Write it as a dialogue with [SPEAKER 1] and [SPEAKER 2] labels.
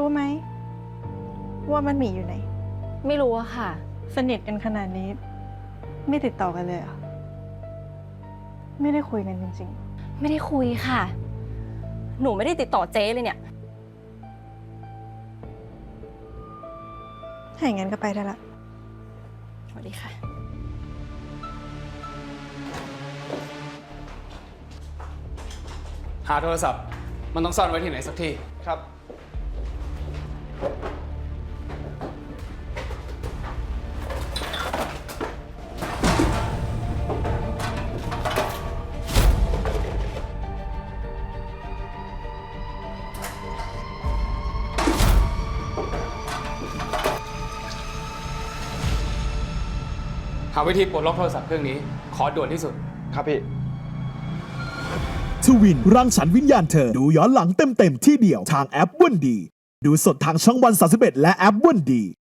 [SPEAKER 1] รู้ไหมว่ามันหมีอยู่ไหน
[SPEAKER 2] ไม่รู้อะค่ะ
[SPEAKER 1] สนิทกันขนาดนี้ ไม่ติดต่อกันเลยเหรอไม่ได้คุยกันจริง
[SPEAKER 2] ไม่ได้คุยค่ะ หนูไม่ได้ติดต่อเจ๊เลยเนี่ย
[SPEAKER 1] ๆถ้าอย่างนั้นก็ไปได้ละ
[SPEAKER 2] สวัสดีค่ะ
[SPEAKER 3] หาโทรศัพท์มันต้องซ่อนไว้ที่ไหนสักที่ครับหาวิธีปลดล็อกโทรศัพท์เครื่องนี้ ขอด่วนที่สุด
[SPEAKER 4] ครับพี่
[SPEAKER 5] ทวินรังสรรค์วิญญาณเธอ ดูย้อนหลังเต็มๆที่เดียวทางแอปวันดี ดูสดทางช่องวัน31และแอปวันดี